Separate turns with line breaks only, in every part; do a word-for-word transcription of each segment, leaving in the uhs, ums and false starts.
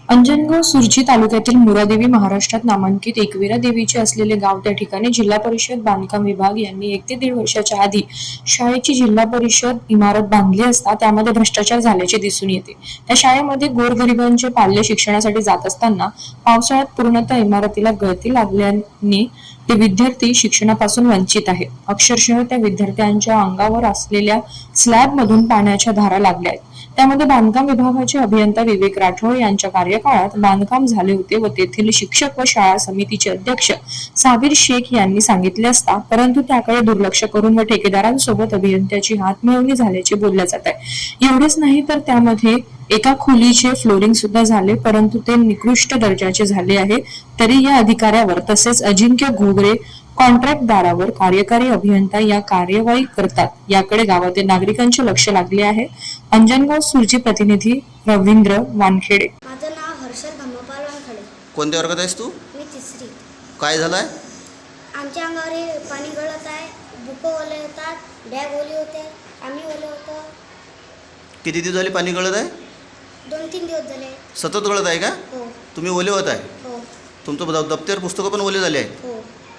अंजनगाव सुरजी तालुक्यातील मुरादेवी महाराष्ट्रात नामांकित एकविरा देवीचे असलेले गाव त्या ठिकाणी जिल्हा परिषद बांधकाम विभाग यांनी एक ते दीड वर्षाच्या आधी शाळेची जिल्हा परिषद इमारत बांधली असता त्यामध्ये भ्रष्टाचार झाल्याचे दिसून येते। त्या शाळेमध्ये गोरगरिबांचे पाल्य शिक्षणासाठी जात असताना पावसाळ्यात पूर्णतः इमारतीला गळती लागल्याने ते विद्यार्थी शिक्षणापासून वंचित आहेत। अक्षरशः त्या विद्यार्थ्यांच्या अंगावर असलेल्या स्लॅब मधून पाण्याच्या धारा लागल्या आहेत। त्यामध्ये बांधकाम विभागाचे अभियंता विवेक राठोड यांच्या कार्यकाळात बांधकाम झाले होते व तेथील शिक्षक व शाळा समितीचे अध्यक्ष साबिर शेख यांनी सांगितले असता परंतु त्याकडे दुर्लक्ष करून व ठेकेदारांसोबत अभियंत्याची हातमिळवणी झाल्याचे बोलले जात आहे। एवढेच नाही तर त्यामध्ये एका खोलीचे फ्लोरिंग सुद्धा झाले परंतु ते निकृष्ट दर्जाचे झाले आहे। तरी या अधिकाऱ्यावर तसेच अजिंक्य घोगरे कॉन्ट्रॅक्टदारावर कार्यकारी अभियंता या कार्यवाही करतात याकडे गावातील नागरिकांचे लक्ष लागले आहे। अंजनगाव सुरजी प्रतिनिधी रवींद्र वानखेडे।
माझं नाव हर्षल धम्मपाल वानखेडे।
कोणत्या वर्गात आहेस तू?
मी तिसरी।
काय झालंय?
आमच्या अंगावर हे पाणी गळत आहे, बुक ओले होतात, बॅग ओली होते, आम्ही ओले होतो।
किती दिवस झाले पाणी गळत आहे?
दोन तीन दिवस झाले।
सतत गळत आहे का?
हो
तुम्ही ओले होत आहे?
हो
तुमचं दप्तर पुस्तकं पण ओले झाले आहेत?
हो।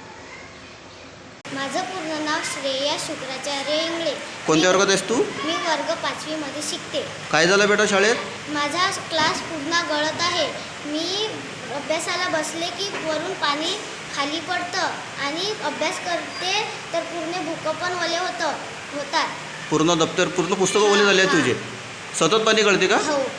माझं पूर्ण नाव श्रेया शुक्राचार्य इंगळे।
कोणत्या वर्गात आहेस तू?
मी वर्ग पाचवी मध्ये शिकते।
काय झालं बेटा शाळेत?
माझा क्लास पूर्ण गळत आहे। मी अभ्यासाला बसले की वरून पाणी खाली पडतं आणि अभ्यास करते तर पूर्ण बुक पण ओले होतं होतात।
पूर्ण दप्तर पूर्ण पुस्तकं ओले झाले आहेत तुझे? सतत पाणी गळते का?
हो।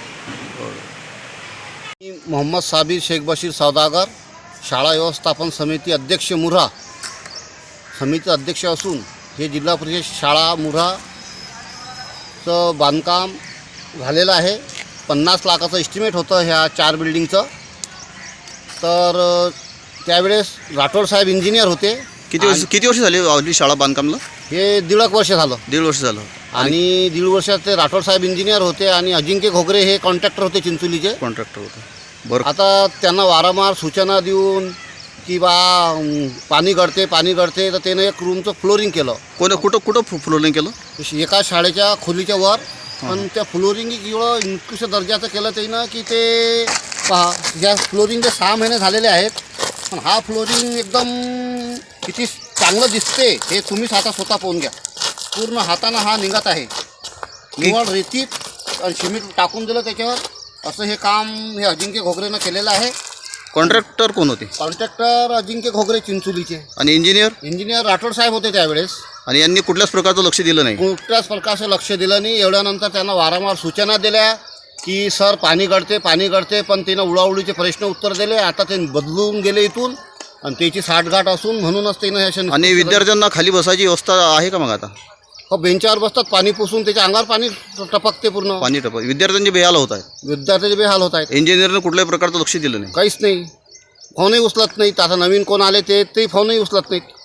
मी मोहम्मद साबिर शेख बशीर सौदागर, शाळा व्यवस्थापन समिती अध्यक्ष मुऱ्हा समिती अध्यक्ष असून हे जिल्हा परिषद शाळा मुऱ्हाचं बांधकाम झालेलं आहे। पन्नास लाखाचं एस्टिमेट होतं ह्या चार बिल्डिंगचं। तर त्यावेळेस राठोड साहेब इंजिनियर होते।
किती वर्ष किती वर्ष झाली आपली शाळा बांधकामला?
हे दीड एक वर्ष झालं।
दीड वर्ष झालं।
आणि दीड वर्षात ते राठोड साहेब इंजिनियर होते आणि अजिंक्य घोगरे हे कॉन्ट्रॅक्टर होते चिंचोलीचे।
कॉन्ट्रॅक्टर होते बरं।
आता त्यांना वारंवार सूचना देऊन की बा पाणी गळते पाणी गळते तर त्यानं एक रूमचं फ्लोरिंग केलं।
कोण कुठं कुठं फ्लोरिंग केलं?
एका शाळेच्या खोलीच्या वर। पण त्या फ्लोरिंग एवढं निकृष्ट दर्जाचं केलं त्यानं की ते पहा या फ्लोरिंगचे सहा महिने झालेले आहेत पण हा फ्लोरिंग एकदम किती चांगलं दिसते हे तुम्हीच आता स्वतः पाहून घ्या। पूर्ण हातानं हा निघत आहे। निवड रेतीत आणि सिमेंट टाकून दिलं त्याच्यावर असं हे काम हे अजिंक्य घोगरेनं केलेलं आहे।
कॉन्ट्रॅक्टर कोण होते?
कॉन्ट्रॅक्टर अजिंक्य घोगरे चिंचोलीचे।
आणि इंजिनियर?
इंजिनियर राठोड साहेब होते त्यावेळेस।
आणि यांनी कुठल्याच प्रकारचं लक्ष दिलं नाही?
कुठल्याच प्रकारचं लक्ष दिलं नाही। एवढ्यानंतर त्यांना वारंवार सूचना दिल्या की सर पाणी गळते पाणी गळते पण तिनं उडाउडीचे प्रश्न उत्तर दिले। आता ते बदलून गेले इथून आणि त्याची साठगाठ असून म्हणूनच त्यानं अशा
आणि विद्यार्थ्यांना खाली बसायची व्यवस्था आहे का मग आता?
हो बेंचावर बसतात पाणी पुसून त्याच्या अंगावर पाणी टपकते पूर्ण
पाणी टपक विद्यार्थ्यांचे बेहाल होत आहेत।
विद्यार्थ्याचे बेहाल होत आहेत।
इंजिनियरनं कुठल्याही प्रकारचं लक्ष दिलं नाही?
काहीच नाही। फोनही उचलत नाहीत। आता नवीन कोण आले ते तेही फोनही उचलत नाहीत।